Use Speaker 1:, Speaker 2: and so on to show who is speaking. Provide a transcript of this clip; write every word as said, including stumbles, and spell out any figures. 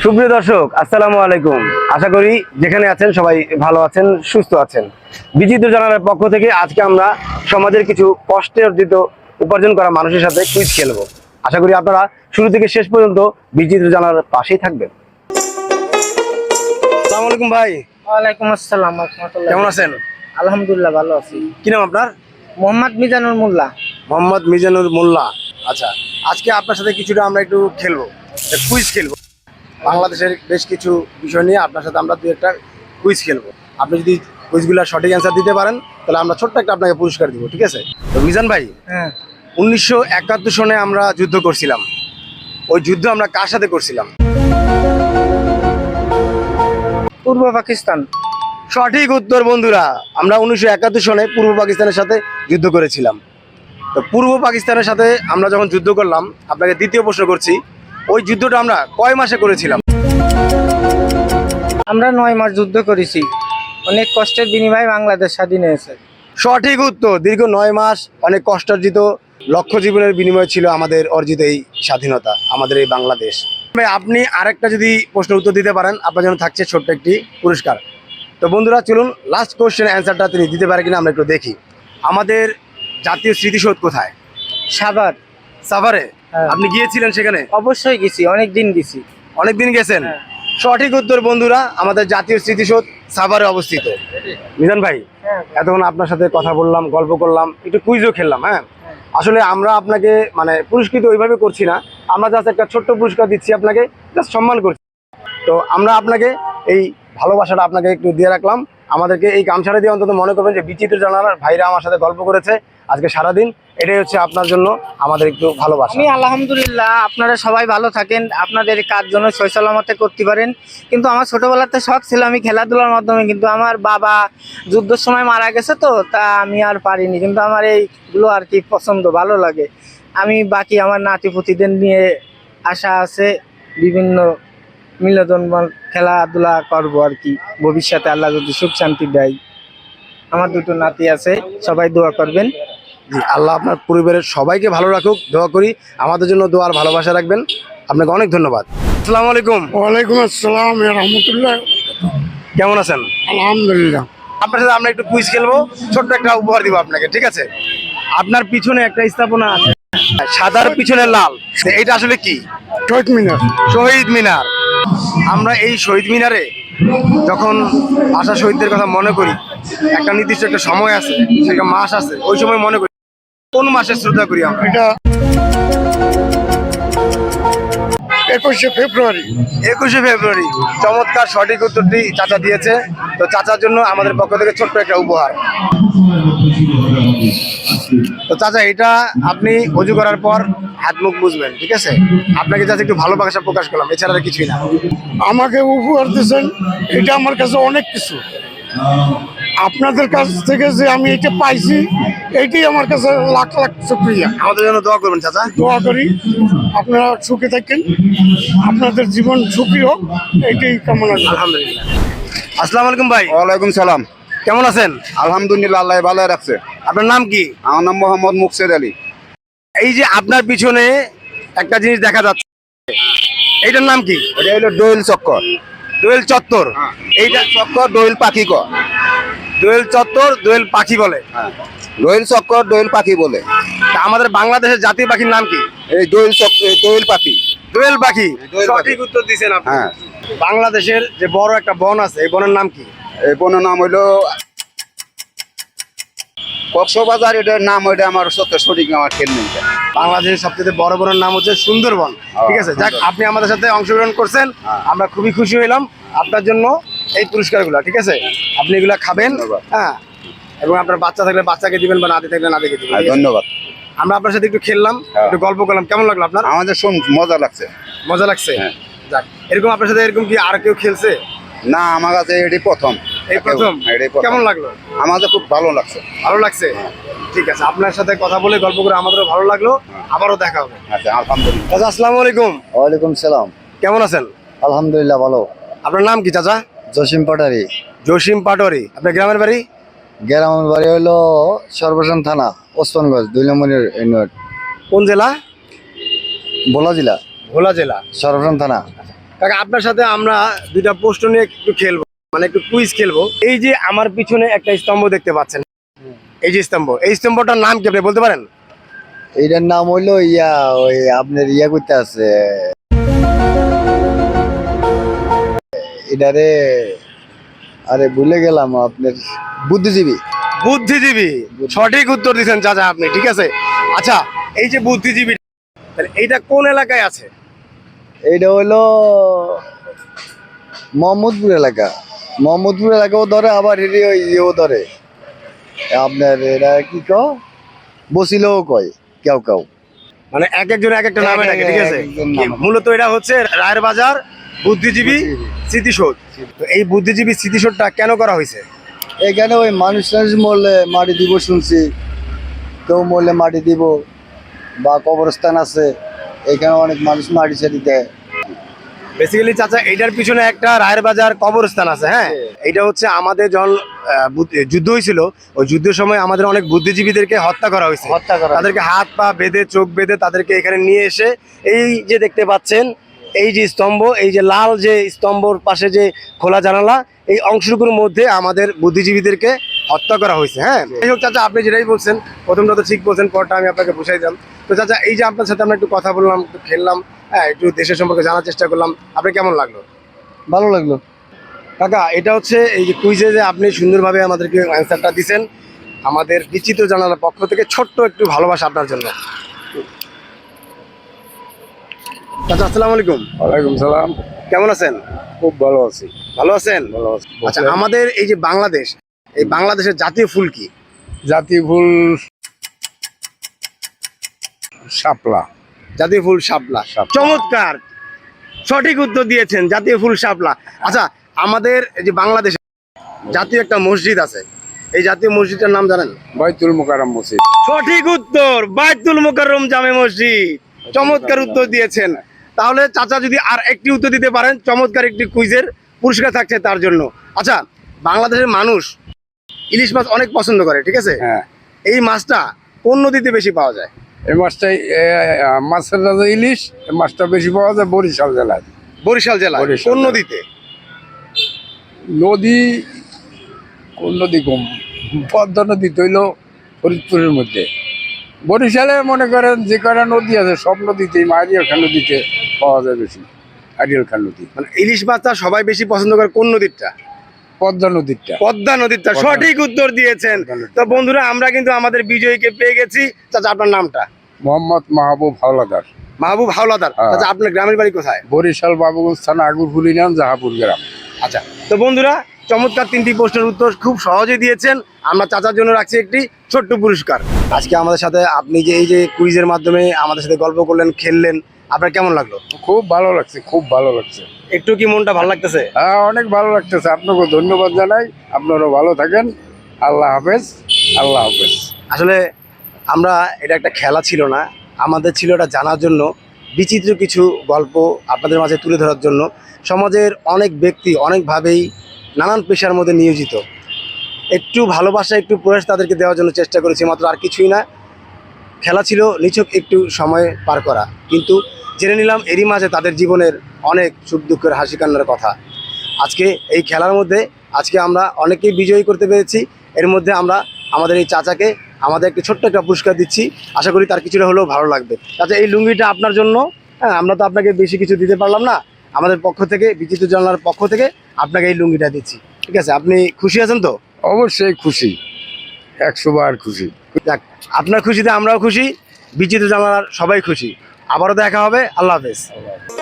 Speaker 1: সুপ্রিয় দর্শক, আসসালামু আলাইকুম। আশা করি যেখানে আছেন সবাই ভালো আছেন, সুস্থ আছেন। বিচিত্র জানালার পক্ষ থেকে আজকে আমরা সমাজের কিছু কষ্টে অর্জিত উপার্জন করা মানুষের সাথে কুইজ খেলবো। আশা করি আপনারা শুরু থেকে শেষ পর্যন্ত বিচিত্র জানালার পাশেই থাকবেন। আসসালামু আলাইকুম ভাই।
Speaker 2: ওয়ালাইকুম আসসালাম রাহমাতুল্লাহ।
Speaker 1: কেমন আছেন?
Speaker 2: আলহামদুলিল্লাহ ভালো আছি।
Speaker 1: কি নাম আপনার?
Speaker 2: মোহাম্মদ মিজানুর মোল্লা।
Speaker 1: মোহাম্মদ মিজানুর মোল্লা। আচ্ছা, আজকে আপনার সাথে কিছুটা আমরা একটু খেলবো, কুইজ খেলবো। বাংলাদেশের বেশ কিছু বিষয় নিয়ে আপনার সাথে আমরা দু একটা কুইজ খেলবো। আপনি যদি কুইজগুলোর সঠিক অ্যান্সার দিতে পারেন তাহলে আমরা ছোট্ট একটা আপনাকে পুরস্কার দিব, ঠিক আছে? তো মিজান ভাই,
Speaker 2: হ্যাঁ,
Speaker 1: উনিশশো একাত্তর সনে আমরা যুদ্ধ করছিলাম। ওই যুদ্ধ আমরা কার সাথে করছিলাম?
Speaker 2: পূর্ব পাকিস্তান।
Speaker 1: সঠিক উত্তর বন্ধুরা। আমরা উনিশশো একাত্তর সনে পূর্ব পাকিস্তানের সাথে যুদ্ধ করেছিলাম। তো পূর্ব পাকিস্তানের সাথে আমরা যখন যুদ্ধ করলাম, আপনাকে দ্বিতীয় প্রশ্ন করছি, ওই যুদ্ধটা আমরা কয় মাসে করেছিলাম?
Speaker 2: আমরা নয় মাস যুদ্ধ করেছি। অনেক কষ্টের বিনিময়ে বাংলাদেশ স্বাধীন হয়েছে।
Speaker 1: সঠিক উত্তর। দীর্ঘ নয় মাস অনেক কষ্টার্জিত লক্ষ জীবনের বিনিময় ছিল আমাদের অর্জিত এই স্বাধীনতা, আমাদের এই বাংলাদেশ। ভাই, আপনি আরেকটা যদি প্রশ্নের উত্তর দিতে পারেন আপনার জন্য থাকছে ছোট্ট একটি পুরস্কার। তো বন্ধুরা চলুন লাস্ট কোশ্চেন অ্যান্সারটা তিনি দিতে পারে কিনা আমরা একটু দেখি। আমাদের জাতীয় স্মৃতিসৌধ কোথায়?
Speaker 2: সাভার।
Speaker 1: সাভারে?
Speaker 2: হ্যাঁ।
Speaker 1: আপনি গিয়েছিলেন সেখানে?
Speaker 2: অবশ্যই গেছি, অনেক দিন গেছি।
Speaker 1: অনেকদিন গেছেন?
Speaker 2: হ্যাঁ।
Speaker 1: সঠিক উত্তর বন্ধুরা। আমাদের জাতীয় স্মৃতিসৌধ সাভারে অবস্থিত। মিজান ভাই,
Speaker 2: হ্যাঁ।
Speaker 1: এতক্ষণ আপনার সাথে কথা বললাম, গল্প করলাম, একটু কুইজও খেললাম। হ্যাঁ, আসলে আমরা আপনাকে মানে পুরস্কৃত ওইভাবে করছি না, আমরা জাস্ট একটা ছোট্ট পুরস্কার দিচ্ছি আপনাকে, জাস্ট সম্মান করছি। তো আমরা আপনাকে এই ভালোবাসাটা আপনাকে একটু দিয়ে রাখলাম। আমাদেরকে এই গামছাটা দিয়ে অন্তত মনে করবেন যে বিচিত্র জানালার ভাইরা আমার সাথে গল্প করেছে আজকে সারাদিন। এটাই হচ্ছে আপনার জন্য আমাদের একটু ভালোবাসা।
Speaker 2: আমি আলহামদুলিল্লাহ, আপনারা সবাই ভালো থাকেন, আপনাদের কাজ যেন সৈসলামতে করতে পারেন। কিন্তু আমার ছোটবেলাতে শখ ছিল আমি খেলাধুলার মাধ্যমে, কিন্তু আমার বাবা যুদ্ধের সময় মারা গেছে, তো তা আমি আর পারিনি। কিন্তু আমার এইগুলো আর কি পছন্দ, ভালো লাগে। আমি বাকি আমার নাতিপুতিদের নিয়ে আশা আছে, বিভিন্ন মিলন খেলাধুলা করবো আর কি ভবিষ্যতে, আল্লাহ যদি সুখ শান্তি দেয়। আমার দুটো নাতি আছে, সবাই দোয়া করবেন।
Speaker 1: জি, আল্লাহ আপনার পরিবারের সবাইকে ভালো রাখুক, দোয়া করি। আমাদের জন্য দোয়ার ভালোবাসা রাখবেন। আপনাকে অনেক ধন্যবাদ। আসসালামু আলাইকুম।
Speaker 3: ওয়ালাইকুম আসসালাম রহমতুল্লাহ।
Speaker 1: কেমন আছেন?
Speaker 3: আলহামদুলিল্লাহ।
Speaker 1: আপনার সাথে আমরা একটু কুইজ খেলবো, ছোট্ট একটা উপহার দিব আপনাকে, ঠিক আছে? আপনার পিছনে একটা স্থাপনা আছে, সাদার পিছনে লাল, এইটা আসলে কি?
Speaker 3: শহীদ মিনার।
Speaker 1: শহীদ মিনার। আমরা এই শহীদ মিনারে যখন আশা শহীদদের কথা মনে করি, একটা নির্দিষ্ট একটা সময় আছে, সেটা মাস আছে, ওই সময় মনে করি। কোন মাসে শ্রদ্ধা করি আমরা?
Speaker 3: এটা একুশে ফেব্রুয়ারি।
Speaker 1: একুশে ফেব্রুয়ারি। চমৎকার সঠিক উত্তরটি চাচা দিয়েছে। তো চাচার জন্য আমাদের পক্ষ থেকে ছোট্ট একটা উপহার। তো চাচা, এটা আপনি অজু করার পর হাত মুখ বুঝবেন, ঠিক আছে? আপনাকে যাতে একটু ভালোবাসা প্রকাশ করলাম, এছাড়া আর কিছুই না।
Speaker 3: আমাকে উপহার দিয়েছেন, এটা আমার কাছে অনেক কিছু। আপনাদের কাছ থেকে যে আমি এটা পাইছি, এইটাই আমার কাছে লাখ লাখ শুকরিয়া।
Speaker 1: আমাদের জন্য দোয়া করবেন চাচা।
Speaker 3: দোয়া করি আপনারা সুখে থাকেন, আপনাদের জীবন সুখী হোক, এইটাই কামনা করি।
Speaker 1: আলহামদুলিল্লাহ। আসসালামু আলাইকুম ভাই।
Speaker 4: ওয়ালাইকুম সালাম।
Speaker 1: কেমন আছেন?
Speaker 4: আলহামদুলিল্লাহ, আল্লাহ ভালো রাখছে।
Speaker 1: আপনার নাম কি?
Speaker 4: আমার নাম মোহাম্মদ মুকসেদ আলী।
Speaker 1: এই যে আপনার পিছনে একটা জিনিস দেখা যাচ্ছে, এইটার নাম কি?
Speaker 4: এটা হলো দোয়েল চক্কর।
Speaker 1: দোয়েল চত্বর।
Speaker 4: এইটা চক্কর দোয়েল পাখি ক
Speaker 1: দোয়েল চত্বর, দোয়েল পাখি বলে।
Speaker 4: হ্যাঁ, দোয়েল চক্কর দোয়েল পাখি বলে।
Speaker 1: তা আমাদের বাংলাদেশের জাতীয় পাখির নাম কি?
Speaker 4: এই দোয়েল চক্কর দোয়েল পাখি।
Speaker 1: দোয়েল পাখি।
Speaker 4: দোয়েল পাখি।
Speaker 1: সঠিক উত্তর দিয়েছেন আপনি।
Speaker 4: হ্যাঁ।
Speaker 1: বাংলাদেশের যে বড় একটা বন আছে, এই বনের নাম কি?
Speaker 4: এই বনের নাম হইলো কক্সবাজার। এটার নাম ওইটা আমার সত্যি সঠিক আমার খেল নেই।
Speaker 1: বাংলাদেশের সবচেয়ে বড় বনের নাম হচ্ছে সুন্দরবন, ঠিক আছে? যাক, আপনি আমাদের সাথে অংশগ্রহণ করছেন,
Speaker 4: হ্যাঁ।
Speaker 1: আমরা খুবই খুশি হইলাম। আপনার জন্য এই পুরস্কারগুলো, ঠিক আছে? আপনি এগুলা খাবেন,
Speaker 4: ধন্যবাদ।
Speaker 1: হ্যাঁ, এবং আপনার বাচ্চা থাকলে বাচ্চাকে দিবেন বা নাতি থাকলে নাতিকে দিবেন।
Speaker 4: হ্যাঁ,
Speaker 1: ঠিক আছে?
Speaker 4: ধন্যবাদ।
Speaker 1: আমরা আপনার সাথে একটু খেললাম,
Speaker 4: হ্যাঁ।
Speaker 1: একটু গল্প করলাম, কেমন লাগলো আপনার?
Speaker 4: আমাদের শুন মজা লাগছে।
Speaker 1: মজা লাগছে?
Speaker 4: হ্যাঁ।
Speaker 1: যাক, এরকম আপনার সাথে এরকম কি আর কেউ খেলছে?
Speaker 4: না, আমার কাছে এটি প্রথম।
Speaker 1: এই প্রথম?
Speaker 4: এটাই প্রথম।
Speaker 1: কেমন লাগলো?
Speaker 4: আমাদের খুব ভালো লাগছে।
Speaker 1: ভালো লাগছে? ঠিক আছে, আপনার সাথে কথা বলে গল্প করে আমাদেরও ভালো লাগলো। আবারও দেখা হবে।
Speaker 4: আচ্ছা, আলহামদুলিল্লাহ।
Speaker 1: চাচা, আসসালামু আলাইকুম।
Speaker 5: ওয়ালাইকুম সালাম।
Speaker 1: কেমন আছেন?
Speaker 5: আলহামদুলিল্লাহ ভালো।
Speaker 1: আপনার নাম কি চাচা?
Speaker 5: জসিম পাটারি।
Speaker 1: জসিম পাটোয়ারি। আপনার গ্রামের বাড়ি?
Speaker 5: গ্রামের বাড়ি হলো সর্বসান থানা, ওসমানগঞ্জ, দুই নম্বরের ইউনিট,
Speaker 1: কোন জেলা?
Speaker 5: ভোলা জেলা,
Speaker 1: ভোলা জেলা।
Speaker 5: সর্বসান থানা।
Speaker 1: কাকা আপনার সাথে আমরা দুইটা প্রশ্ন নিয়ে একটু খেলবো, মানে একটু কুইজ খেলবো। এই যে আমার পিছনে একটা স্তম্ভ দেখতে পাচ্ছেন, এই যে স্তম্ভ, এই স্তম্ভটার নাম কি আপনি বলতে পারেন?
Speaker 5: এইটার নাম হইলো ইয়া ওই আপনার ইয়া করতে আছে এটারে, আরে ভুলে গেলাম, আপনার বুদ্ধিজীবী।
Speaker 1: বুদ্ধিজীবী, সঠিক উত্তর দিচ্ছেন চাচা আপনি, ঠিক আছে। আচ্ছা, এই যে বুদ্ধিজীবী, তাহলে এইটা কোন এলাকায় আছে?
Speaker 5: এইটা হইলো মোহাম্মদপুর এলাকা। মোহাম্মদপুর এলাকাও ধরে, আবার হেরি ওই ইয়েও ধরে, আপনার এরা কি কও বসিলেও কয় কেউ কেউ।
Speaker 1: মানে এক একজন এক একটা নামে ডাকে, ঠিক আছে।
Speaker 5: এক একজন নাম।
Speaker 1: মূলত এটা হচ্ছে রায়ের বাজার বুদ্ধিজীবী স্মৃতিসৌধ। তো এই বুদ্ধিজীবী স্মৃতিসৌধটা কেন করা হয়েছে?
Speaker 5: এখানে ওই মানুষ টানুষ মরলে মাটি দিব শুনছি, কেউ মরলে মাটি দিব, বা কবরস্থান আছে, এখানে অনেক মানুষ মাটি ছাড়ি দেয়।
Speaker 1: বেসিক্যালি চাচা এইটার পিছনে একটা রায়ের বাজার কবরস্থান আছে। হ্যাঁ, এটা হচ্ছে আমাদের যখন আহ, বুদ্ধ- যুদ্ধ হয়েছিল, ওই যুদ্ধের সময় আমাদের অনেক বুদ্ধিজীবীদেরকে হত্যা করা হয়েছে।
Speaker 5: হত্যা করা
Speaker 1: তাদেরকে হাত পা বেঁধে, চোখ বেঁধে তাদেরকে এখানে নিয়ে এসে, এই যে দেখতে পাচ্ছেন এই যে স্তম্ভ, এই যে লাল যে স্তম্ভর পাশে যে খোলা জানালা, এই অংশটুকুর মধ্যে আমাদের বুদ্ধিজীবীদেরকে হত্যা করা হয়েছে। হ্যাঁ, যাই হোক চাচা, আপনি যেটাই বলছেন প্রথমটা তো ঠিক বলছেন, পরটা আমি আপনাকে বুঝাই দিলাম। তো চাচা, এই যে আপনার সাথে আমরা একটু কথা বললাম, একটু খেললাম, হ্যাঁ, একটু দেশের সম্পর্কে জানার চেষ্টা করলাম, আপনি কেমন লাগলো?
Speaker 5: ভালো লাগলো।
Speaker 1: কাকা, এটা হচ্ছে এই যে কুইজে যে আপনি সুন্দরভাবে আমাদেরকে অ্যান্সারটা দিছেন, আমাদের বিচিত্র জানালার পক্ষ থেকে ছোট্ট একটু ভালোবাসা আপনার জন্য। চাচা, আসসালামু আলাইকুম।
Speaker 3: ওয়ালাইকুম সালাম।
Speaker 1: কেমন আছেন?
Speaker 3: খুব ভালো আছি।
Speaker 1: ভালো আছেন?
Speaker 3: ভালো আছি।
Speaker 1: আচ্ছা, আমাদের এই যে বাংলাদেশ, এই বাংলাদেশের জাতীয় ফুল কি?
Speaker 3: জাতীয় ফুল শাপলা।
Speaker 1: জাতীয় ফুল শাপলা।
Speaker 3: শাপলা।
Speaker 1: চমৎকার, সঠিক উত্তর দিয়েছেন, জাতীয় ফুল শাপলা। আচ্ছা, আমাদের এই যে বাংলাদেশে জাতীয় একটা মসজিদ আছে, এই জাতীয় মসজিদটার নাম জানেন?
Speaker 3: বাইতুল মোকাররম মসজিদ।
Speaker 1: সঠিক উত্তর, বাইতুল মোকাররম জামে মসজিদ। চমৎকার উত্তর দিয়েছেন। তাহলে চাচা যদি আর একটি উত্তর দিতে পারেন, চমৎকার একটি কুইজের পুরস্কার থাকছে তার জন্য। আচ্ছা, বাংলাদেশের মানুষ ইলিশ মাছ অনেক পছন্দ করে, ঠিক আছে।
Speaker 3: হ্যাঁ,
Speaker 1: এই মাছটা কোন নদীতে বেশি পাওয়া যায়?
Speaker 3: এই মাছটাই এ, আ, মাছের রাজা ইলিশ। এই মাছটা বেশি পাওয়া যায় বরিশাল জেলায়।
Speaker 1: বরিশাল জেলা।
Speaker 3: বরিশাল
Speaker 1: কোন
Speaker 3: জেলা।
Speaker 1: নদীতে?
Speaker 3: নদী, কোন নদী কম, পদ্মা নদী তৈল ফরিদপুরের মধ্যে। বরিশালে মনে করেন যে কটা নদী আছে সব নদীতেই, আরিয়াল খান নদীতে পাওয়া যায় বেশি। আরিয়াল খান নদী,
Speaker 1: মানে ইলিশ মাছটা সবাই বেশি পছন্দ করে কোন নদীরটা?
Speaker 3: পদ্মা নদীরটা।
Speaker 1: পদ্মা নদীরটা।
Speaker 3: পদ্মা।
Speaker 1: সঠিক উত্তর দিয়েছেন।
Speaker 3: পদ্মা নদী।
Speaker 1: তো বন্ধুরা, আমরা কিন্তু আমাদের বিজয়ীকে পেয়ে গেছি। চাচা, আপনার নামটা?
Speaker 3: মোহাম্মদ মাহবুব হাওলাদার,
Speaker 1: মাহবুব হাওলাদার।
Speaker 3: হ্যাঁ।
Speaker 1: চাচা, আপনার গ্রামের বাড়ি কোথায়?
Speaker 3: বরিশাল বাবুগঞ্জ থানা আগুরপুর ইউনিয়ন, জাহাপুর গ্রাম।
Speaker 1: আচ্ছা, তো বন্ধুরা, চমৎকার তিনটি প্রশ্নের উত্তর খুব সহজে দিয়েছেন। আমরা চাচার জন্য রাখছি একটি ছোট্ট পুরস্কার। আজকে আমাদের সাথে আপনি যে এই যে কুইজের মাধ্যমে আমাদের সাথে গল্প করলেন, খেললেন, আপনার কেমন লাগলো?
Speaker 3: খুব ভালো লাগছে, খুব ভালো লাগছে।
Speaker 1: একটু কি মনটা ভালো লাগতেছে?
Speaker 3: হ্যাঁ, অনেক ভালো লাগতেছে। আপনাকে ধন্যবাদ জানাই। আপনারাও ভালো থাকেন। আল্লাহ হাফেজ। আল্লাহ হাফেজ।
Speaker 1: আসলে আমরা, এটা একটা খেলা ছিল না, আমাদের ছিল এটা জানার জন্য, বিচিত্র কিছু গল্প আপনাদের মাঝে তুলে ধরার জন্য। সমাজের অনেক ব্যক্তি অনেকভাবেই নানান পেশার মধ্যে নিয়োজিত, একটু ভালোবাসা, একটু প্রয়াস তাদেরকে দেওয়ার জন্য চেষ্টা করেছি, মাত্র, আর কিছুই না। খেলা ছিল নিছক একটু সময় পার করা, কিন্তু জেনে নিলাম এরই মাঝে তাদের জীবনের অনেক সুখ দুঃখের, হাসি কান্নার কথা। আজকে এই খেলার মধ্যে আজকে আমরা অনেকেই বিজয়ী করতে পেরেছি। এর মধ্যে আমরা আমাদের এই চাচাকে আমাদের একটি ছোট্ট একটা পুরস্কার দিচ্ছি, আশা করি তার কিছুটা হলেও ভালো লাগবে। চাচা, এই লুঙ্গিটা আপনার জন্য। হ্যাঁ, আমরা তো আপনাকে বেশি কিছু দিতে পারলাম না, আমাদের পক্ষ থেকে, বিচিত্র জানালার পক্ষ থেকে আপনাকে এই লুঙ্গিটা দিচ্ছি, ঠিক আছে? আপনি খুশি আছেন তো?
Speaker 3: অবশ্যই খুশি, একশো বার খুশি।
Speaker 1: যাক, আপনার খুশিতে আমরাও খুশি, বিচিত্র জানালার সবাই খুশি। আবারও দেখা হবে। আল্লাহ হাফেজ।